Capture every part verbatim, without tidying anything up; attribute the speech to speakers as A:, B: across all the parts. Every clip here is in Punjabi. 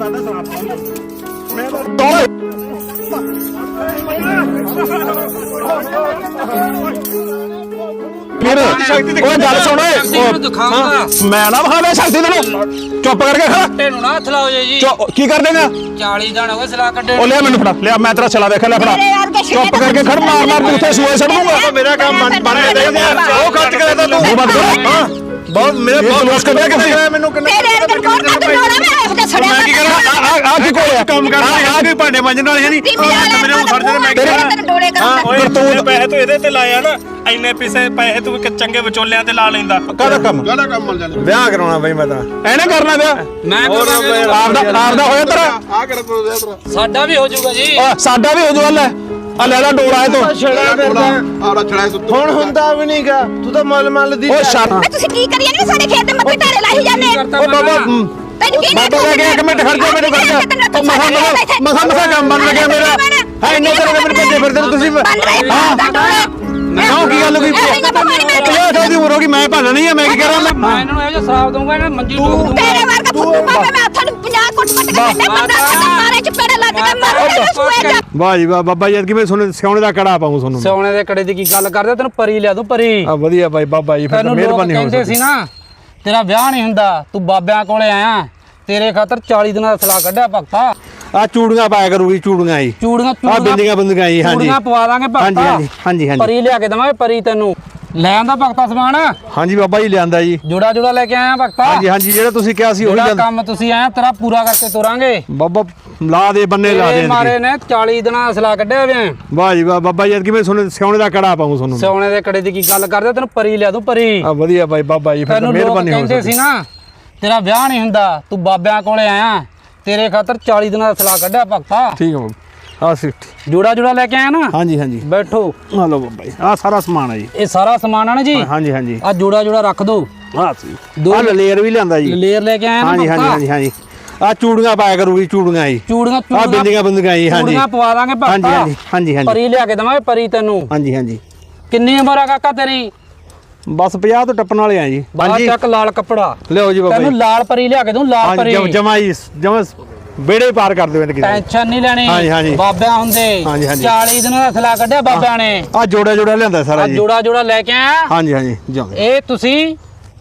A: गल सुन मैं ना विखा शक्ति तेन चुप करके खड़ा की कर देगा लिया मैनू फड़ा लिया मैं तेरा छला देखा लिया फड़ा चुप करके खड़ मार मार तू उसे सूए छड़ दूंगा मेरा काम बहुत मेरे बहुत लोस कर दिया किसी मैनू तेरे अंदर कौन का तोड़ा मैं उसका छड़या मैं की करा आ आ की कोल काम कर आ की भांडे मांजन वाले नहीं मेरे ਨੂੰ ਫੜ ਦੇ ਮੈਂ तेरे डोले कर ਓਏ ਤੂੰ ਪੈਸੇ ਤੂੰ ਇਹਦੇ ਤੇ ਲਾਇਆ ਨਾ ਇੰਨੇ ਪੈਸੇ ਪੈਸੇ ਤੂੰ ਚੰਗੇ ਵਿਚੋਲਿਆਂ ਤੇ ਲਾ ਲੈਂਦਾ ਕਾਹਦਾ ਕੰਮ ਕਾਹਦਾ ਕੰਮ ਮਿਲ ਜਾਂਦਾ ਵਿਆਹ ਕਰਾਉਣਾ ਬਈ ਮੈਂ ਤਾਂ ਐਨੇ ਕਰਨਾ ਵਿਆਹ ਮੈਂ ਕਰਾਂਗਾ ਆਪ ਦਾ ਆਪ ਦਾ ਹੋਇਆ ਤੇਰਾ ਆ ਕਰ ਤੇਰਾ ਸਾਡਾ ਵੀ ਹੋ ਜਾਊਗਾ ਜੀ ਸਾਡਾ ਵੀ ਹੋ ਜਾਊਗਾ ਲੈ ਆ ਲੈ ਲੈ ਡੋਲਾ ਹੈ ਤੂੰ ਛੜਾ ਫਿਰਦਾ ਆੜਾ ਛੜਾ ਹੁਣ ਹੁੰਦਾ ਵੀ ਨਹੀਂਗਾ ਤੂੰ ਤਾਂ ਮਲ ਮਲ ਦੀ ਓ ਸ਼ਾ ਤੁਸੀਂ ਕੀ ਕਰੀ ਜਾਂਦੇ ਸਾਡੇ ਖੇਤ ਦੇ ਮੱਥੇ ਢਾਰੇ ਲਾਈ ਜਾਂਦੇ ਓ ਬਾਬਾ ਬਾਬਾ ਲੱਗੇ ਇੱਕ ਮਿੰਟ ਖੜ ਜਾ ਮੇਰੇ ਖੜ ਜਾ ਓ ਮਸਾ ਮਸਾ ਮਸਾ ਕੰਮ ਬਣ ਲੱਗਿਆ ਮੇਰਾ ਹੈ ਇੰਨੇ ਤੇਰੇ ਮੇਰੇ ਭੱਜੇ ਫਿਰਦੇ ਤੁਸੀਂ ਹਾਂ ਕਿਉਂ ਕੀ ਗੱਲ ਹੋਈ ਪੰਜਾਹ ਸਾਲ ਦੀ ਉਮਰ ਹੋ ਗਈ ਮੈਂ ਭਾਣਾ ਨਹੀਂ ਆ ਮੈਂ ਕੀ ਕਰਾਂ ਮੈਂ ਇਹਨਾਂ ਨੂੰ ਇਹੋ ਜਿਹਾ ਸ਼ਰਾਬ ਦਊਂਗਾ ਇਹਨਾਂ ਮੰਜੀ ਨੂੰ ਤੇਰੇ ਵਰਗਾ ਫੁੱਟੂ ਪਾਵੇ ਮੈਂ ਹੱਥਾਂ ਨੂੰ ਪੰਜਾਹ ਕੁੱਟ ਕੁੱਟ ਕੇ ਕੱਢੇ ਬੰਦਾ ਮਾਰੇ ਚਪੇੜੇ ਲੱਗ ਕੇ ਮਾਰੇ ਸੂਏ ਵਾਹ ਜੀ ਵਾਹ ਬਾਬਾ ਜੀ ਕਿਵੇਂ ਸੋਨੇ ਸਿਉਣੇ ਦਾ ਕੜਾ ਪਾਉਂ ਤੁਹਾਨੂੰ ਸਿਉਣੇ ਦੇ ਕੜੇ ਦੀ ਕੀ ਗੱਲ ਕਰਦੇ ਤੈਨੂੰ ਪਰੀ ਲਿਆ ਦੂੰ ਪਰੀ ਆ ਵਧੀਆ ਬਾਈ ਬਾਬਾ ਜੀ ਫਿਰ ਮਿਹਰਬਾਨੀ ਹੋ ਕਹਿੰਦੇ ਸੀ ਨਾ ਤੇਰਾ ਵਿਆਹ ਨਹੀਂ ਹੁੰਦਾ ਤੂੰ ਬਾਬਿਆਂ ਕੋਲੇ ਆਇਆ ਤੇਰੇ ਖਾਤਰ ਚਾਲੀ ਦਿਨਾਂ ਦਾ ਸਲਾਹ ਕੱਢਿਆ ਭਗਤਾ ਆ ਚੂੜੀਆਂ ਪਾਇਆ ਕਰੂਗੀ ਚੂੜੀਆਂ ਹੀ ਚੂੜੀਆਂ ਆ ਬਿੰਦੀਆਂ ਬਿੰਦੀਆਂ ਹੀ ਹਾਂਜੀ ਚੂੜੀਆਂ ਪਵਾ ਦਾਂਗੇ ਭਗਤਾ ਹਾਂਜੀ ਹਾਂਜੀ ਹਾਂਜੀ ਪਰੀ ਲਿਆ ਕੇ ਦਵਾਂਗੇ ਪਰੀ ਤੈਨੂੰ ਲੈ ਆਂਦਾ ਭਗਤਾ ਸਮਾਨ ਹਾਂਜੀ ਬਾਬਾ ਜੀ ਲਿਆਂਦਾ ਜੀ ਜੋੜਾ ਜੋੜਾ ਲੈ ਕੇ ਆਇਆ ਭਗਤਾ ਹਾਂਜੀ ਹਾਂਜੀ ਜਿਹੜਾ ਤੁਸੀਂ ਕਿਹਾ ਸੀ ਉਹੀ ਜਾਂਦਾ ਕੰਮ ਤੁਸੀਂ ਆਇਆ ਤੇਰਾ ਪੂਰਾ ਕਰਕੇ ਤੋਰਾਂਗੇ ਬਾਬਾ ਲਾ ਦੇ ਬੰਨੇ ਲਾ ਦੇ ਮਾਰੇ ਨੇ ਚਾਲੀ ਦਿਨਾਂ ਦਾ ਸਲਾਹ ਕੱਢਿਆ ਵੇ ਵਾਹ ਜੀ ਵਾਹ ਬਾਬਾ ਜੀ ਕਿਵੇਂ ਸੋਨੇ ਸਿਉਣੇ ਦਾ ਕੜਾ ਪਾਉਂ ਤੁਹਾਨੂੰ ਸਿਉਣੇ ਦੇ ਕੜੇ ਦੀ ਕੀ ਗੱਲ ਕਰਦੇ ਤੈਨੂੰ ਪਰੀ ਲਿਆ ਦੂੰ ਪਰੀ ਆ ਵਧੀਆ ਬਾਈ ਬਾਬਾ ਜੀ ਫਿਰ ਮਿਹਰਬਾਨੀ ਹੋ ਕਹਿੰਦੇ ਸੀ ਨਾ ਤੇਰਾ ਵਿਆਹ ਨਹੀਂ ਹੁੰਦਾ ਤੂੰ ਬਾਬਿਆਂ ਕੋਲੇ ਆਇਆ ਤੇਰੇ ਖਾਤਰ ਚਾਲੀ ਦਿਨਾਂ ਦਾ ਸਲਾਹ ਕੱਢਿਆ ਭਗਤਾ ਠੀਕ ਹੈ ਆ ਸਿੱਟ ਜੋੜਾ ਜੋੜਾ ਲੈ ਕੇ ਆਇਆ ਨਾ ਹਾਂਜੀ ਹਾਂਜੀ ਬੈਠੋ ਆ ਲਓ ਬਾਬਾ ਜੀ ਆ ਸਾਰਾ ਸਮਾਨ ਹੈ ਜੀ ਇਹ ਸਾਰਾ ਸਮਾਨ ਹੈ ਨਾ ਜੀ ਹਾਂਜੀ ਹਾਂਜੀ ਆ ਜੋੜਾ ਜੋੜਾ ਰੱਖ ਦੋ ਆ ਸੀ ਦੋ ਲੇਅਰ ਵੀ ਲਿਆਂਦਾ ਜੀ ਲੇਅਰ ਲੈ ਕੇ ਆਇਆ ਨਾ ਹਾਂਜੀ ਹਾਂਜੀ ਹਾਂਜੀ ਆ ਚੂੜੀਆਂ ਪਾਇਆ ਕਰੂਗੀ ਚੂੜੀਆਂ ਹੀ ਚੂੜੀਆਂ ਆ ਬਿੰਦੀਆਂ ਬਿੰਦੀਆਂ ਹੀ ਹਾਂਜੀ ਚੂੜੀਆਂ ਪਵਾ ਦਾਂਗੇ ਭਗਤਾ ਹਾਂਜੀ ਹਾਂਜੀ ਹਾਂਜੀ ਹਾਂਜੀ ਪਰੀ ਲਿਆ ਕੇ ਦਵਾਂਗੇ ਪਰੀ ਤੈਨੂੰ ਹਾਂਜੀ ਹਾਂਜੀ ਕਿੰਨੀ ਉਮਰ ਆ ਕਾਕਾ ਤੇਰੀ ਬਸ ਪੰਜਾਹ ਤੋਂ ਟੱਪਣ ਵਾਲੇ ਆ ਜੀ ਹਾਂਜੀ ਚੱਕ ਲਾਲ ਕੱਪੜਾ ਲਿਓ ਜੀ ਬਾਬਾ ਤੈਨੂੰ ਲਾਲ ਪਰੀ ਲਿਆ ਕੇ ਦੂੰ ਲਾਲ ਪਰੀ ਜਮਾ ਜੀ ਜਮਾ ਬੇੜੇ ਪਾਰ ਕਰ ਦਿਓ ਇਹਨਾਂ ਟੈਨਸ਼ਨ ਨਹੀਂ ਲੈਣੀ ਹਾਂਜੀ ਹਾਂਜੀ ਬਾਬਿਆਂ ਹੁੰਦੇ ਚਾਲੀ ਦਿਨਾਂ ਦਾ ਸਲਾਹ ਕੱਢਿਆ ਬਾਬਿਆਂ ਨੇ ਆ ਜੋੜਾ ਜੋੜਾ ਲਿਆਂਦਾ ਸਾਰਾ ਜੀ ਜੋੜਾ ਜੋੜਾ ਲੈ ਕੇ ਆਇਆ ਹਾਂਜੀ ਹਾਂਜੀ ਇਹ ਤੁਸੀਂ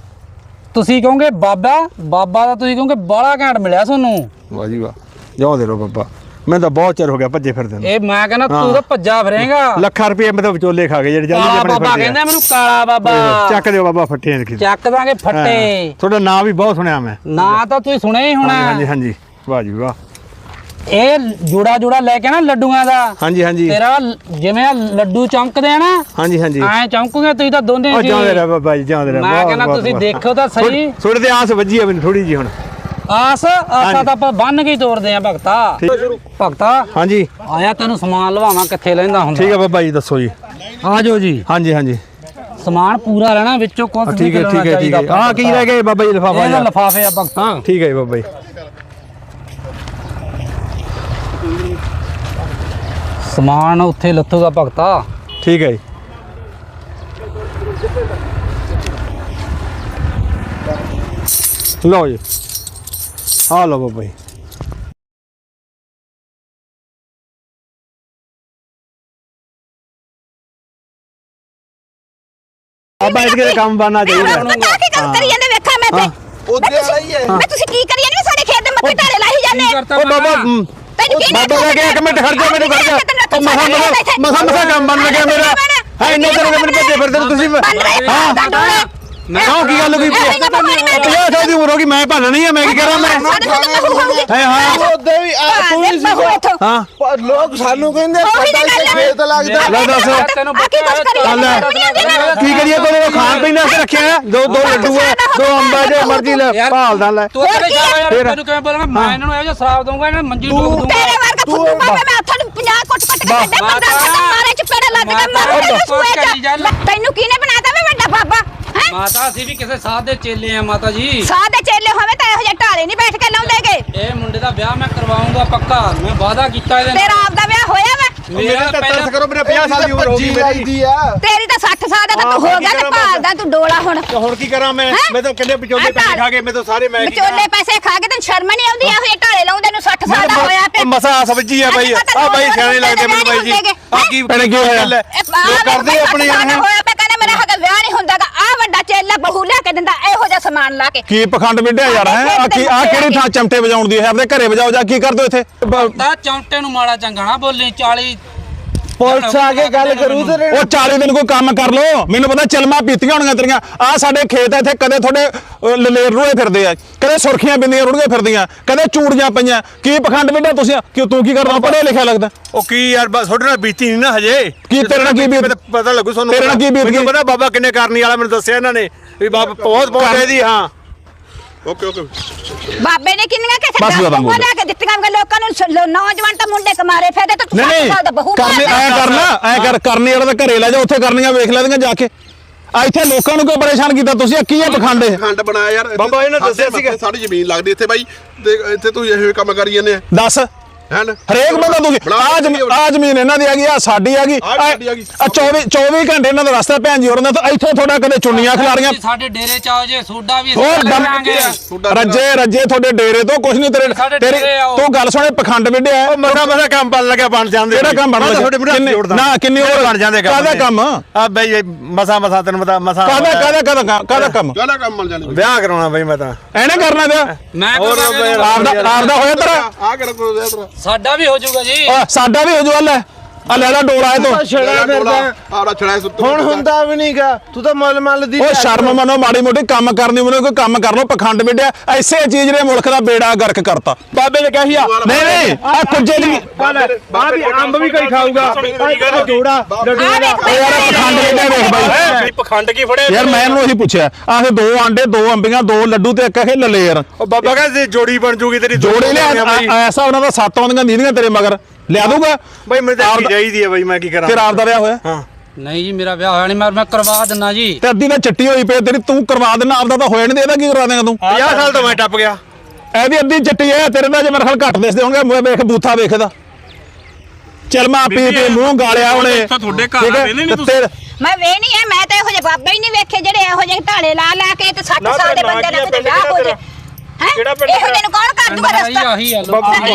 A: ਤੁਸੀਂ ਕਹੋਗੇ ਬਾਬਾ ਬਾਬਾ ਦਾ ਤੁਸੀਂ ਕਹੋਗੇ ਬਾਲਾ ਘੈਂਟ ਮਿਲਿਆ ਤੁਹਾਨੂੰ ਵਾਹ ਜੀ ਵਾਹ ਜਾਓ ਦੇ ਲੋ ਬਾਬਾ ਮੈਂ ਤਾਂ ਬਹੁਤ ਚਿਰ ਹੋ ਗਿਆ ਭੱਜੇ ਫਿਰਦੇ ਨੂੰ ਇਹ ਮੈਂ ਕਹਿੰਦਾ ਤੂੰ ਤਾਂ ਭੱਜਾ ਫਿਰੇਗਾ ਲੱਖਾਂ ਰੁਪਏ ਮੈਂ ਤਾਂ ਵਿਚੋਲੇ ਖਾ ਗਏ ਜਿਹੜੇ ਜਲਦੀ ਆਪਣੇ ਬਾਬਾ ਕਹਿੰਦਾ ਮੈਨੂੰ ਕਾਲਾ ਬਾਬਾ ਚੱਕ ਦਿਓ ਬਾਬਾ ਫੱਟੇ ਨੇ ਚੱਕ ਦਾਂਗੇ ਫੱਟੇ ਤੁਹਾਡਾ ਨਾਂ ਵੀ ਬਹੁਤ ਸੁਣਿਆ ਮੈਂ ਨਾਂ ਤਾਂ ਤੁਸੀਂ ਸੁਣਿਆ ਹੀ ਹੋਣਾ ਹਾਂਜੀ ਹਾਂਜੀ ਵਾਹ ਜੀ ਵਾਹ ਇਹ ਜੋੜਾ ਜੋੜਾ ਲੈ ਕੇ ਨਾ ਲੱਡੂਆਂ ਦਾ ਹਾਂਜੀ ਹਾਂਜੀ ਤੇਰਾ ਜਿਵੇਂ ਲੱਡੂ ਚਮਕਦੇ ਆ ਨਾ ਹਾਂਜੀ ਹਾਂਜੀ ਐ ਚਮਕੂਗੇ ਤੁਸੀਂ ਤਾਂ ਦੋਨੇ ਜੀ ਜਾਂਦੇ ਰਹਿ ਬਾਬਾ ਜੀ ਜਾਂਦੇ ਰਹਿ ਮੈਂ ਕਹਿੰਦਾ ਤੁਸੀਂ ਦੇਖੋ ਤਾਂ ਸਹੀ ਥੋੜੇ ਤੇ ਆਸ ਵੱਜੀ ਆ ਮੈਨੂੰ ਥੋੜੀ ਜੀ ਹੁਣ ਆਸ ਆਸਾ ਤਾਂ ਆਪਾਂ ਬੰਨ ਕੇ ਤੋੜਦੇ ਆ ਭਗਤਾ ਭਗਤਾ ਹਾਂਜੀ ਆਇਆ ਤੈਨੂੰ ਸਮਾਨ ਲਵਾਵਾਂ ਕਿੱਥੇ ਲੈਂਦਾ ਹੁੰਦਾ ਠੀਕ ਹੈ ਬਾਬਾ ਜੀ ਦੱਸੋ ਜੀ ਆ ਜਾਓ ਜੀ ਹਾਂਜੀ ਹਾਂਜੀ ਸਮਾਨ ਪੂਰਾ ਲੈਣਾ ਵਿੱਚੋਂ ਕੁਝ ਠੀਕ ਹੈ ਠੀਕ ਹੈ ਠੀਕ ਹੈ ਆ ਕੀ ਰਹਿ ਗਿਆ ਬਾਬਾ ਜੀ ਲਿਫਾਫਾ ਇਹਦਾ ਲਿਫਾਫੇ ਆ ਭਗਤਾ ਠੀਕ ਹੈ ਜੀ ਬਾਬਾ ਜੀ ਸਮਾਨ ਉੱਥੇ ਲੱਥੂਗਾ ਭਗਤਾ ਠੀਕ ਹੈ ਜੀ ਲਓ ਜੀ ਆ ਲਓ ਬਾਬਾ ਜੀ ਬਾਬਾ ਇਸ ਦੇ ਕੰਮ ਬਣਨਾ ਚਾਹੀਦਾ ਕੀ ਕੰਮ ਕਰੀ ਜਾਂਦੇ ਵੇਖਾਂ ਮੈਂ ਤੇ ਉਹਦੇ ਵਾਲਾ ਹੀ ਹੈ ਮੈਂ ਤੁਸੀਂ ਕੀ ਕਰੀ ਜਾਂਦੇ ਸਾਡੇ ਖੇਤ ਦੇ ਮੱਥੇ ਢਾਰੇ ਲਾਈ ਜਾਂਦੇ ਓ ਬਾਬਾ ਬਾਬਾ ਲੱਗੇ ਇੱਕ ਮਿੰਟ ਖੜ ਜਾ ਮੇਰੇ ਖੜ ਜਾ ਓ ਮਸਾ ਮਸਾ ਮਸਾ ਕੰਮ ਬਣ ਲੱਗਿਆ ਮੇਰਾ ਹੈ ਇੰਨੇ ਤੇਰੇ ਮੇਰੇ ਭੱਜੇ ਫਿਰਦੇ ਤੁਸੀਂ ਹਾਂ ਕਿਉਂ ਕੀ ਗੱਲ ਹੋਈ ਪੰਜਾਹ ਸਾਲ ਦੀ ਉਮਰ ਹੋ ਗਈ ਮੈਂ ਭਾਣਾ ਨਹੀਂ ਆ ਮੈਂ ਕੀ ਕਰਾਂ ਮੈਂ ਹੈ ਹਾਂ ਉਹਦੇ ਵੀ ਤੂੰ ਵੀ ਸੀ ਹਾਂ ਲੋਕ ਸਾਨੂੰ ਕਹਿੰਦੇ ਸਾਡਾ ਖੇਤ ਲੱਗਦਾ ਲੈ ਦੱਸ ਕੀ ਕਰੀਏ ਕੋਈ ਖਾਣ ਪੀਣ ਵਾਸਤੇ ਰੱਖਿਆ ਦੋ ਦੋ ਲੱਡੂ ਆ ਦੋ ਅੰਬਾ ਜੇ ਮਰਜ਼ੀ ਲੈ ਭਾਲਦਾ ਲੈ ਤੂੰ ਤੈਨੂੰ ਕਿਵੇਂ ਬੋਲਾਂਗਾ ਮੈਂ ਇਹਨਾਂ ਨੂੰ ਇਹੋ ਜਿਹਾ ਸ਼ਰਾਬ ਦਊਂਗਾ ਇਹਨਾਂ ਮੰਜੀ ਡੂਬ ਦੂੰਗਾ ਤੇਰੇ ਵਰਗਾ ਫੁੱਟੂ ਪਾਵੇ ਮੈਂ ਹੱਥਾਂ ਨੂੰ ਪੰਜਾਹ ਕੁੱਟ ਕੁੱਟ ਕੇ ਕੱਢੇ ਬੰਦਾ ਮਾਰੇ ਚਪੇੜੇ ਲੱਗ ਕੇ ਮਾਰੇ ਸੂਏ ਤੈਨੂੰ ਕਿਹਨੇ ਬਣਾਤਾ ਵੇ ਵੱਡਾ ਬਾਬਾ ਮਾਤਾ ਅਸੀਂ ਵੀ ਕਿਸੇ ਸਾਧ ਦੇ ਚੇਲੇ ਆ ਮਾਤਾ ਜੀ ਸਾਧ ਦੇ ਚੇਲੇ ਹੋਵੇ ਤਾਂ ਇਹੋ ਜਿਹੇ ਢਾਲੇ ਨਹੀਂ ਬੈਠ ਕੇ ਲਾਉਂਦੇਗੇ ਇਹ ਮੁੰਡੇ ਦਾ ਵਿਆਹ ਮੈਂ ਕਰਵਾਉਂਗਾ ਪੱਕਾ ਮੈਂ ਵਾਅਦਾ ਕੀਤਾ ਇਹਦੇ ਨਾਲ ਤੇਰਾ ਆਪ ਦਾ ਵਿਆਹ ਹੋਇਆ ਵਾ ਮੇਰਾ ਤਰਸ ਕਰੋ, ਮੇਰੇ ਪੰਜਾਹ ਸਾਲ ਦੀ ਉਮਰ ਹੋ ਗਈ ਮੇਰੀ।
B: ਤੇਰੀ ਤਾਂ ਸੱਠ ਸਾਲ ਦਾ ਤਾਂ ਤੂੰ ਹੋ ਗਿਆ ਤੇ ਭਾਲਦਾ ਤੂੰ ਡੋਲਾ ਹੁਣ।
A: ਹੁਣ ਕੀ ਕਰਾਂ ਮੈਂ? ਮੈਂ ਤਾਂ ਕਿੰਨੇ ਵਿਚੋਲੇ ਪੈਸੇ ਖਾ ਗਏ, ਮੈਂ ਤਾਂ ਸਾਰੇ ਮੈਂ
B: ਵਿਚੋਲੇ ਪੈਸੇ ਖਾ ਕੇ ਤੈਨੂੰ ਸ਼ਰਮ ਨਹੀਂ ਆਉਂਦੀ? ਇਹੋ ਜਿਹੇ ਢਾਲੇ ਲਾਉਂਦੇ ਨੂੰ ਸੱਠ ਸਾਲ ਦਾ ਹੋਇਆ ਪਿਆ।
A: ਮਸਾ ਸਬਜੀ ਆ ਬਾਈ, ਆ ਬਾਈ ਸਿਆਣੇ ਲੱਗਦੇ ਮੈਨੂੰ ਬਾਈ ਜੀ। ਆ ਕੀ ਪੈਣੇ ਕੀ ਹੋਇਆ? ਲੋਕ ਕਰਦੇ ਆਪਣੇ ਯਾਰ
B: ਹੋਇਆ ਪਿਆ, ਕਹਿੰਦਾ ਮੇਰਾ ਹੱਕ ਵਿਆਹ ਨਹੀਂ ਹੁੰਦਾਗਾ। ਆ ਵੱਡਾ ਚੇਲਾ ਬਹੂ ਲੈ ਕੇ ਦਿੰਦਾ ਇਹੋ ਜਿਹਾ ਸਮਾਨ ਲਾ ਕੇ।
C: ਕੀ ਪਖੰਡ ਵਿੱਢਿਆ ਯਾਰ ਹੈ? ਆ ਕੀ ਆ ਕਿਹੜੀ ਥਾਂ ਚਮਟੇ ਵਜਾਉਣ ਦੀ ਹੈ? ਆਪਣੇ ਘਰੇ ਵਜਾਓ ਜਾ, ਕੀ ਕਰਦੇ ਹੋ ਇੱਥੇ?
D: ਤਾਂ ਚੌਂਟੇ ਨੂੰ ਮਾੜਾ ਚੰਗਾ ਨਾ ਬੋਲੀ। ਚਾਲੀ
E: ਪੁਲਿਸ ਆ ਕੇ ਗੱਲ ਕਰੂ ਤੇ
C: ਉਹ ਚਾਲੀ ਦਿਨ ਕੋਈ ਕੰਮ ਕਰ ਲੋ। ਮੈਨੂੰ ਪਤਾ ਚਲਮਾ ਪੀਤੀਆਂ ਹੋਣੀਆਂ ਤੇਰੀਆਂ। ਆ ਸਾਡੇ ਖੇਤ ਇੱਥੇ ਕਦੇ ਤੁਹਾਡੇ ਲਲੇਰ ਰੋਏ ਫਿਰਦੇ ਆ, ਕਦੇ ਸੁਰਖੀਆਂ ਬਿੰਦੀਆਂ ਰੁੜੀਆਂ ਫਿਰਦੀਆਂ, ਕਦੇ ਚੂੜੀਆਂ ਪਈਆਂ। ਕੀ ਪਖੰਡ ਵਿੱਢਿਆ ਤੁਸੀਂ? ਕਿ ਤੂੰ ਕੀ ਕਰਦਾ? ਪੜ੍ਹਿਆ ਲਿਖਿਆ ਲੱਗਦਾ।
A: ਉਹ ਕੀ ਯਾਰ ਬਸ ਤੁਹਾਡੇ ਨਾਲ ਬੀਤੀ ਨਹੀਂ ਨਾ ਹਜੇ।
C: ਕੀ ਤੇਰੇ ਨਾਲ ਕੀ ਬੀਤ?
A: ਪਤਾ ਲੱਗੂ ਤੁਹਾਨੂੰ।
C: ਤੇਰੇ ਨਾਲ ਕੀ ਬੀਤ ਗਈ?
A: ਮੈਨੂੰ ਪਤਾ ਬਾਬਾ ਕਿੰਨੇ ਕਰਨੀ ਵਾਲਾ, ਮੈਨੂੰ ਦੱਸਿਆ ਇਹਨਾਂ ਨੇ ਵੀ ਬਾਬਾ ਬਹੁਤ ਬਹੁਤ ਇਹਦੀ। ਹਾਂ ਓਕੇ ਓਕੇ।
B: ਬਾਬੇ ਨੇ ਕਿੰਨੀਆਂ ਕਿਸੇ
C: ਬਸ ਬਾਬਾ
B: ਉਹ ਲੈ ਕੇ ਦਿੱਤੀਆਂ ਲੋਕਾਂ ਨੂੰ। ਨੌਜਵਾਨ ਤਾਂ ਮੁੰਡੇ ਕਮਾਰੇ ਫਿਰਦੇ ਤੇ ਤੂੰ
C: ਨਹੀਂ
B: ਸੱਠ ਸਾਲ ਦਾ ਬਹੂ
C: ਕਰਨੇ ਐ ਕਰਨਾ ਐ ਕਰ ਕਰਨੀ ਵਾਲਾ ਤਾਂ ਘਰੇ ਲੈ ਜਾ, ਉੱਥੇ ਕਰਨੀਆਂ ਵੇਖ ਲੈਂਦੀਆਂ ਜਾ ਕੇ। ਆ ਇੱਥੇ ਲੋਕਾਂ ਨੂੰ ਕਿਉਂ ਪਰੇਸ਼ਾਨ ਕੀਤਾ ਤੁਸੀਂ? ਆ ਕੀ ਹੈ ਪਖੰਡ ਇਹ?
F: ਖੰਡ ਬਣਾਇਆ ਯਾਰ।
A: ਬਾਬਾ ਇਹਨੇ ਦੱਸਿਆ ਸੀਗਾ
F: ਸਾਡੀ ਜ਼ਮੀਨ ਲੱਗਦੀ ਇੱਥੇ ਬਾਈ, ਤੇ ਇੱਥੇ ਤੂੰ ਇਹੋ ਕੰਮ ਕਰੀ ਜਾਂਦੇ ਆ
C: ਦੱਸ
F: ਹੈ।
C: ਹਰੇਕ ਬੰਦਾ ਤੂੰ ਆ ਜ਼ਮੀਨ ਆ ਜ਼ਮੀਨ ਇਹਨਾਂ ਦੀ ਹੈਗੀ, ਆ ਸਾਡੀ ਹੈਗੀ। ਆ ਚੌਵੀ ਚੌਵੀ ਘੰਟੇ ਇਹਨਾਂ ਦਾ ਰਸਤਾ ਭੈਣ ਜੀ ਹੋਰਾਂ ਦਾ। ਤਾਂ ਇੱਥੇ ਥੋੜਾ ਕਦੇ ਚੁੰਨੀਆਂ ਖਿਲਾਰੀਆਂ।
D: ਸਾਡੇ ਡੇਰੇ ਚ ਆਓ ਜੇ ਸੋਡਾ ਵੀ
C: ਹੋਰ
D: ਲਾਂਗੇ।
C: ਰੱਜੇ ਰੱਜੇ ਤੁਹਾਡੇ ਡੇਰੇ ਤੋਂ ਕੁਝ ਨਹੀਂ ਤੇਰੇ ਤੇਰੀ ਤੂੰ ਗੱਲ ਸੁਣੇ ਪਖੰਡ ਵਿੱਢਿਆ।
A: ਉਹ ਮਸਾ ਮਸਾ ਕੰਮ ਬਣ ਲੱਗਿਆ, ਬਣ ਜਾਂਦੇ।
C: ਕਿਹੜਾ ਕੰਮ ਬਣ ਲੱਗਿਆ? ਨਾ ਕਿੰਨੀ ਹੋਰ
A: ਬਣ ਜਾਂਦੇ ਕੰਮ।
C: ਕਾਹਦਾ ਕੰਮ?
A: ਆ ਬਈ ਮਸਾ ਮਸਾ ਤੈਨੂੰ ਪਤਾ ਮਸਾ
C: ਕਾਹਦਾ ਕਾਹਦਾ ਕਾਹਦਾ ਕਾਹਦਾ ਕੰਮ?
F: ਕਿਹੜਾ ਕੰਮ ਮਿਲ ਜਾਣੇ?
A: ਵਿਆਹ ਕਰਾਉਣਾ ਬਈ ਮੈਂ ਤਾਂ
C: ਐਨੇ ਕਰਨਾ ਪਿਆ।
D: ਮੈਂ
C: ਆਪਦਾ ਆਪਦਾ ਹੋਇਆ ਤੇਰਾ।
F: ਆ ਕਿਹੜਾ ਕੋਈ ਵਿਆਹ ਤੇਰਾ?
D: ਸਾਡਾ ਵੀ ਹੋ ਜਾਊਗਾ ਜੀ।
C: ਆ ਸਾਡਾ ਵੀ ਹੋ ਜੂ। ਲੈ ਆ ਲੈ ਲੈ ਡੋਲਾ ਇਹ ਤੋਂ।
E: ਛੜਾ ਫਿਰਦਾ
F: ਆੜਾ ਛੜਾ ਸੁੱਤ
E: ਹੁਣ ਹੁੰਦਾ ਵੀ ਨਹੀਂਗਾ। ਤੂੰ ਤਾਂ ਮੁੱਲ ਮੱਲ ਦੀ
C: ਉਹ ਸ਼ਰਮ ਮੰਨੋ, ਮਾੜੀ ਮੋਟੀ ਕੰਮ ਕਰਨੀ ਮੈਨੂੰ ਕੋਈ ਕੰਮ ਕਰ ਲੋ। ਪਖੰਡ ਵਿੱਢਿਆ ਐਸੇ ਚੀਜ਼ ਨੇ ਮੁਲਕ ਦਾ ਬੇੜਾ ਗਰਕ ਕਰਤਾ। ਬਾਬੇ ਨੇ ਕਹੀ ਆ ਨਹੀਂ ਨਹੀਂ ਆ ਕੁੱਜੇ ਦੀ
A: ਆ ਵੀ ਅੰਬ ਵੀ ਕੋਈ ਖਾਊਗਾ।
E: ਜੋੜਾ
C: ਯਾਰ ਪਖੰਡ ਵਿੱਢਿਆ ਵੇਖ ਬਾਈ।
A: ਪਖੰਡ ਕੀ ਫੜਿਆ
C: ਯਾਰ ਮੈਂ ਇਹਨੂੰ ਉਹੀ ਪੁੱਛਿਆ, ਆਹ ਦੋ ਆਂਡੇ, ਦੋ ਅੰਬੀਆਂ, ਦੋ ਲੱਡੂ ਤੇ ਇੱਕ ਇਹ ਲਲੇਰ।
A: ਉਹ ਬਾਬਾ ਕਹਿੰਦੇ ਜੋੜੀ ਬਣ ਜੂਗੀ ਤੇਰੀ।
C: ਜੋੜੀ ਲਿਆ ਐਸਾ ਉਹਨਾਂ ਦਾ ਸੱਤ ਆਉਂਦੀਆਂ ਨੀਂਦੀਆਂ ਤੇਰੇ ਮਗਰ ਲਿਆ ਦੂਗਾ
A: ਬਈ ਮੈਨੂੰ ਤਾਂ ਚਾਹੀਦੀ ਹੈ ਬਈ, ਮੈਂ ਕੀ ਕਰਾਂ?
C: ਫਿਰ ਆਪ ਦਾ ਵਿਆਹ ਹੋਇਆ?
A: ਹਾਂ
D: ਨਹੀਂ ਜੀ ਮੇਰਾ ਵਿਆਹ ਹੋਇਆ ਨਹੀਂ। ਮੈਂ ਮੈਂ ਕਰਵਾ ਦਿੰਨਾ ਜੀ।
C: ਤੇ ਅੱਧੀ ਤਾਂ ਚੱਟੀ ਹੋਈ ਪਈ ਤੇਰੀ, ਤੂੰ ਕਰਵਾ ਦੇਣਾ। ਆਪਦਾ ਤਾਂ ਹੋਇਆ ਨਹੀਂ, ਇਹਦਾ ਕੀ ਕਰਵਾ ਦੇਗਾ ਤੂੰ?
A: ਪੰਜਾਹ ਸਾਲ ਤੋਂ ਮੈਂ ਟੱਪ ਗਿਆ।
C: ਇਹਦੀ ਅੱਧੀ ਚੱਟੀ ਹੈ, ਤੇਰੇ ਦਾ ਜੇ ਮੇਰੇ ਖਿਆਲ ਘੱਟ ਦਿਸਦੇ ਹੋਣਗੇ। ਵੇਖ ਬੂਥਾ ਵੇਖਦਾ ਚਲਮਾ ਪੀ ਪੀ ਮੂੰਹ ਗਾਲਿਆ ਉਹਨੇ।
G: ਤੁਹਾਡੇ ਘਰ ਵੇਲੇ ਨਹੀਂ ਤੁਸੀਂ?
B: ਮੈਂ ਵੇ ਨਹੀਂ ਹੈ, ਮੈਂ ਤਾਂ ਇਹੋ ਜਿਹੇ ਬਾਬੇ ਹੀ ਨਹੀਂ ਵੇਖੇ ਜਿਹੜੇ ਇਹੋ ਜਿਹੇ ਢਾਲੇ ਲਾ ਲਾ ਕੇ ਤੇ ਸੱਠ ਸਾਲ ਦੇ ਬੰਦੇ ਨਾਲ ਕਿਤੇ ਵਿਆਹ ਹੋ ਜੇ। ਹੈ ਇਹੋ ਜਿਹੇ ਨੂੰ ਕੌਣ ਕਰ ਦੂਗਾ ਰਸਤਾ?
D: ਆਹੀ ਆ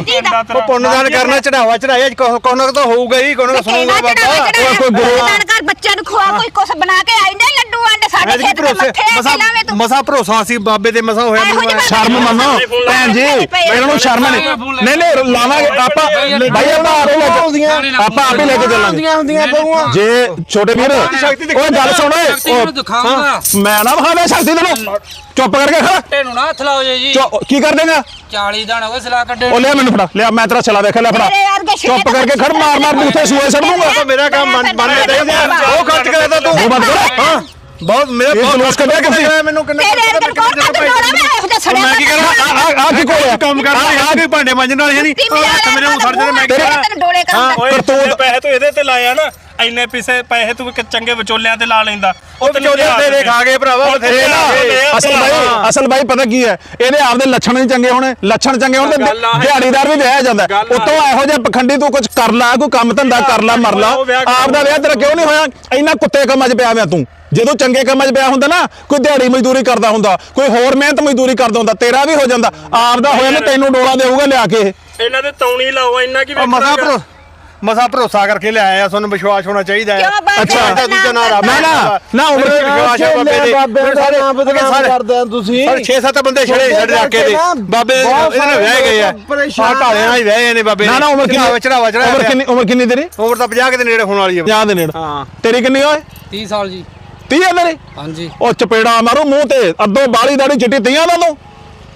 A: ਉਹ ਪੁੰਨਦਾਨ ਕਰਨਾ, ਚੜਾਵਾ ਚੜਾਇਆ ਕੋਨਕ ਤਾਂ ਹੋਊਗਾ ਹੀ, ਕੋਨਕ ਸੁਣੂਗਾ ਬਾਬਾ।
B: ਕੋਈ ਗੁਰਦਾਨ ਕਰ ਬੱਚਿਆਂ ਨੂੰ ਖਵਾ, ਕੋਈ ਕੁਛ ਬਣਾ ਕੇ ਆਈ ਨਾ ਲੱਡੂ ਆਂਡੇ ਸਾਡੇ ਖੇਤ ਦੇ ਮੱਥੇ ਤੇ ਲਾਵੇਂ ਤੂੰ।
A: ਮਸਾ ਭਰੋਸਾ ਸੀ ਬਾਬੇ ਤੇ ਮਸਾ ਹੋਇਆ ਮੈਨੂੰ।
C: ਸ਼ਰਮ ਮੰਨੋ ਭੈਣ ਜੀ, ਇਹਨਾਂ ਨੂੰ ਸ਼ਰਮ ਨਹੀਂ। ਨਹੀਂ ਨਹੀਂ ਲਾਵਾਂਗੇ ਆਪਾਂ ਭਾਈ, ਆਪਾਂ ਆਪੇ ਲੈ ਕੇ ਆਪਾਂ ਆਪੇ ਲੈ ਕੇ ਚੱਲਾਂਗੇ
E: ਹੁੰਦੀਆਂ ਬਹੂਆਂ।
C: ਜੇ ਛੋਟੇ ਵੀਰ ਉਹ ਗੱਲ ਸੁਣ ਓਏ।
D: ਦਿਖਾਉਂਗਾ
C: ਮੈਂ ਨਾ ਵਿਖਾਵੇ ਸ਼ਕਤੀ ਤੈਨੂੰ। ਚੁੱਪ ਕਰਕੇ ਖੜਾ।
D: ਤੈਨੂੰ ਨਾ ਹੱਥ ਲਾਓ ਜੀ।
C: ਕੀ ਕਰ ਦੇਗਾ?
D: ਚਾਲੀ ਦਿਨ ਹੋ ਗਏ ਸਲਾ ਕੱਢੇ।
C: ਉਹ ਲਿਆ ਮੈਨੂੰ ਫੜਾ, ਲਿਆ ਮੈਂ ਤੇਰਾ ਛਲਾ ਵੇਖ ਲੈ ਫੜਾ। ਚੁੱਪ ਕਰਕੇ ਖੜ, ਮਾਰ ਮਾਰ ਬੂਥੇ ਸੂਏ ਸੜ ਦੂੰਗਾ।
A: ਮੇਰਾ ਕੰਮ ਮੰਨ ਲੈ, ਉਹ ਖਰਚ ਕਰਿਆ ਤੂੰ।
C: ਉਹ ਬੰਦ ਕਰ। ਹਾਂ
A: ਬਹੁਤ ਮੇਰਾ ਬਹੁਤ
C: ਲੋਸ ਕੱਢਿਆ ਤੁਸੀਂ।
A: ਮੈਨੂੰ ਕਿੰਨਾ
B: ਤੇਰੇ ਅੰਦਰ ਕੌਣ ਕਰ ਦੂਗਾ? ਮੈਂ ਇਹੋ ਜਿਹਾ ਛੜਿਆ।
A: ਮੈਂ ਕੀ ਕਰਾਂ?
C: ਆ ਆ ਕੀ ਕੋਲਿਆ
A: ਕੰਮ ਕਰਦਾ ਆ ਕੇ ਭਾਂਡੇ ਮਾਂਜਣ ਵਾਲੇ ਨਹੀਂ। ਹੱਥ ਮੇਰੇ ਨੂੰ ਛੱਡ ਦੇ। ਮੈਂ
B: ਤੈਨੂੰ ਡੋਲੇ ਕਰਦਾ।
C: ਕਰਤੂਤ
G: ਪੈਸੇ ਤੂੰ ਇਹਦੇ ਤੇ ਲਾਇਆ ਨਾ, ਇੰਨੇ ਪੈਸੇ ਪੈਸੇ ਤੂੰ ਚੰਗੇ ਵਿਚੋਲਿਆਂ ਤੇ ਲਾ ਲੈਂਦਾ।
A: ਉਹ ਵਿਚੋਲੇ ਤੇਰੇ ਖਾ ਗਏ ਭਰਾਵਾ ਬਥੇਰੇ।
C: ਅਸਲ ਬਾਈ ਅਸਲ ਬਾਈ ਪਤਾ ਕੀ ਹੈ, ਇਹਦੇ ਆਪਦੇ ਲੱਛਣ ਨਹੀਂ ਚੰਗੇ ਹੋਣੇ। ਲੱਛਣ ਚੰਗੇ ਹੋਣ ਤੇ ਦਿਹਾੜੀਦਾਰ ਵੀ ਵਿਆਹਿਆ ਜਾਂਦਾ। ਉਤੋਂ ਇਹੋ ਜਿਹਾ ਪਖੰਡੀ ਤੂੰ ਕੁਝ ਕਰ ਲਾ, ਕੋਈ ਕੰਮ ਧੰਦਾ ਕਰ ਲਾ, ਮਰ ਲਾ। ਆਪਦਾ ਵਿਆਹ ਤੇਰਾ ਕਿਉਂ ਨਹੀਂ ਹੋਇਆ? ਇੰਨਾ ਕੁੱਤੇ ਕੰਮਾਂ 'ਚ ਪਿਆ ਹੋਇਆ ਤੂੰ। ਜਦੋਂ ਚੰਗੇ ਕੰਮਾਂ 'ਚ ਪਿਆ ਹੁੰਦਾ ਨਾ, ਕੋਈ ਦਿਹਾੜੀ ਮਜ਼ਦੂਰੀ ਕਰਦਾ ਹੁੰਦਾ, ਕੋਈ ਹੋਰ ਮਿਹਨਤ ਮਜ਼ਦੂਰੀ ਕਰਦਾ ਹੁੰਦਾ, ਤੇਰਾ ਵੀ ਹੋ ਜਾਂਦਾ। ਆਪਦਾ ਹੋਇਆ ਨਾ ਤੈਨੂੰ ਡੋਲਾ ਦੇਊਗਾ ਲਿਆ ਕੇ।
G: ਇਹਨਾਂ ਦੇ ਤੌਣੀ ਲਾਓ, ਇੰਨਾ ਕੀ
A: ਮਸਾ ਭਰੋ ਮਸਾ ਭਰੋਸਾ ਕਰਕੇ ਲਿਆਇਆ ਆ। ਤੁਹਾਨੂੰ ਵਿਸ਼ਵਾਸ ਹੋਣਾ ਚਾਹੀਦਾ ਹੈ।
C: ਅੱਛਾ
A: ਦੂਜਾ ਨਾ ਰੱਬ
C: ਨਾ ਨਾ ਨਾ ਉਮਰ
A: ਵਿਸ਼ਵਾਸ ਹੈ ਬਾਬੇ ਦੇ।
E: ਬਾਬੇ ਦਾ ਨਾਮ ਬਦਨਾਮ ਕਰਦੇ ਆ ਤੁਸੀਂ।
A: ਪਰ ਛੇ ਸੱਤ ਬੰਦੇ ਛੜੇ ਛੱਡ ਰੱਖ ਕੇ ਦੇ ਬਾਬੇ ਇਹਦੇ ਨਾਲ ਵਿਆਹ ਗਏ ਆ। ਆ ਢਾਲਿਆਂ ਨਾਲ ਹੀ ਵਿਆਹੇ ਨੇ ਬਾਬੇ।
C: ਨਾ ਨਾ ਉਮਰ ਕਿੰਨੀ?
A: ਚੜਾਵਾ ਚੜਾਇਆ।
C: ਉਮਰ ਕਿੰਨੀ? ਉਮਰ ਕਿੰਨੀ ਤੇਰੀ?
A: ਉਮਰ ਤਾਂ ਪੰਜਾਹ ਦੇ ਨੇੜੇ ਹੋਣ ਵਾਲੀ ਹੈ।
C: ਪੰਜਾਹ ਦੇ ਨੇੜੇ।
A: ਹਾਂ
C: ਤੇਰੀ ਕਿੰਨੀ ਓਏ?
D: ਤੀਹ ਸਾਲ ਜੀ।
C: ਤੀਹ ਆ ਤੇਰੀ?
D: ਹਾਂਜੀ।
C: ਉਹ ਚਪੇੜਾ ਮਾਰੂ ਮੂੰਹ ਤੇ, ਅੱਧੋ ਬਾਲੀ ਦਾੜੀ ਚਿੱਟੀ ਤੀਆਂ ਦਾ ਤੂੰ।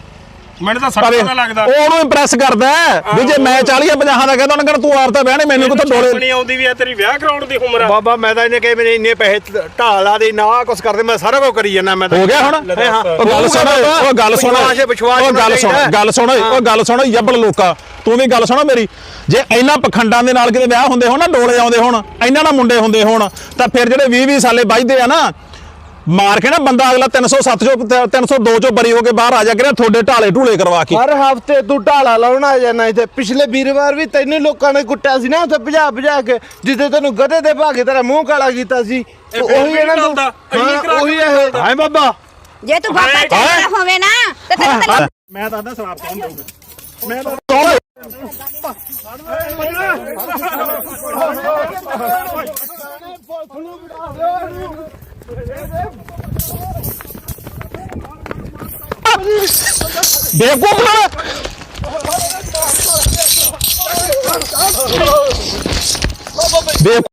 G: ਮੈਨੂੰ ਤਾਂ ਸੱਟ ਪਤਾ ਲੱਗਦਾ।
C: ਉਹ ਉਹਨੂੰ ਇੰਪ੍ਰੈਸ ਕਰਦਾ ਵੀ ਜੇ ਮੈਂ ਚਾਲੀ ਪੰਜਾਹ ਦਾ ਕਹਿੰਦਾ ਉਹਨਾਂ ਕਹਿੰਦਾ ਤੂੰ ਆਪ ਤਾਂ ਵਿਆਹ ਨਹੀਂ, ਮੈਨੂੰ ਕਿੱਥੋਂ ਡੋਲੇ
G: ਨਹੀਂ ਆਉਂਦੀ ਵੀ ਆ ਤੇਰੀ ਵਿਆਹ ਕਰਾਉਣ ਦੀ ਉਮਰ ਆ।
A: ਬਾਬਾ ਮੈਂ ਤਾਂ ਇਹਨੇ ਕਹੇ ਮੇਰੇ ਇੰਨੇ ਪੈਸੇ ਢਾਲਾ ਦੇ ਨਾ ਕੁਛ ਕਰਦੇ, ਮੈਂ ਸਾਰਾ ਕੁਝ ਕਰੀ ਜਾਂਦਾ। ਮੈਂ ਤਾਂ
C: ਹੋ ਗਿਆ ਹੁਣ। ਉਹ ਗੱਲ ਸੁਣ, ਉਹ ਗੱਲ ਸੁਣ, ਉਹ ਗੱਲ ਸੁਣ, ਗੱਲ ਸੁਣ, ਉਹ ਗੱਲ ਸੁਣ ਯੱਬਲ ਲੋਕਾ, ਤੂੰ ਵੀ ਗੱਲ ਸੁਣੋ ਮੇਰੀ। ਜੇ ਇਹਨਾਂ ਪਖੰਡਾਂ ਦੇ ਨਾਲ ਕਿਤੇ ਵਿਆਹ ਹੁੰਦੇ ਹੋਣ ਨਾ, ਡੋਲੇ ਆਉਂਦੇ ਹੋਣ, ਇਹਨਾਂ ਨਾਲ ਮੁੰਡੇ ਹੁੰਦੇ ਹੋਣ, ਤਾਂ ਫਿਰ ਜਿਹੜੇ ਵੀਹ ਵੀਹ ਸਾਲੇ ਵੱਜਦੇ ਆ ਨਾ, ਮਾਰ ਕੇ ਨਾ ਬੰਦਾ ਅਗਲਾ ਤਿੰਨ ਸੌ ਸੱਤ ਚੋਂ ਤਿੰਨ ਸੌ ਦੋ ਚੋਂ ਬਰੀ ਹੋ ਕੇ ਬਾਹਰ ਆ ਜਾ ਕੇ ਤੁਹਾਡੇ ਢਾਲੇ ਢੂਲੇ ਕਰਵਾ ਕੇ
E: ਹਰ ਹਫਤੇ ਤੂੰ ਢਾਲਾ ਲਾਉਣ ਆ ਜਾਣਾ ਇੱਥੇ ਪਿਛਲੇ ਵੀਰਵਾਰ ਵੀ ਤੈਨੂੰ ਲੋਕਾਂ ਨੇ ਕੁੱਟਿਆ ਸੀ ਨਾ ਉੱਥੇ ਭਜਾ ਭਜਾ ਕੇ ਜਿੱਦੇ ਤੈਨੂੰ ਗਧੇ ਦੇ ਭਾਗੇ ਤੇਰਾ ਮੂੰਹ ਕਾਲਾ ਕੀਤਾ ਸੀ
G: ਇਹ ਫਿਰ
E: ਉਹੀ
G: ਵੀ
E: ਇਹਨਾਂ ਨੂੰ
G: ਚੱਲਦਾ, ਇੰਨੀ
E: ਹਾਂ,
G: ਕਰਾ
E: ਉਹੀ
G: ਕੇ
E: ਇਹ ਹਾਏ ਬਾਬਾ
B: ਜੇ ਤੂੰ ਬਾਬਾ ਚੰਗਾ ਹੋਵੇ ਨਾ ਤੇ ਤੈਨੂੰ ਤਾਂ
A: ਮੈਂ ਤਾਂ ਸ਼ਰਾਬ ਕੌਣ ਦਊਗਾ
C: ਬੇਵਕੂਫ ਨਾ ਬੇ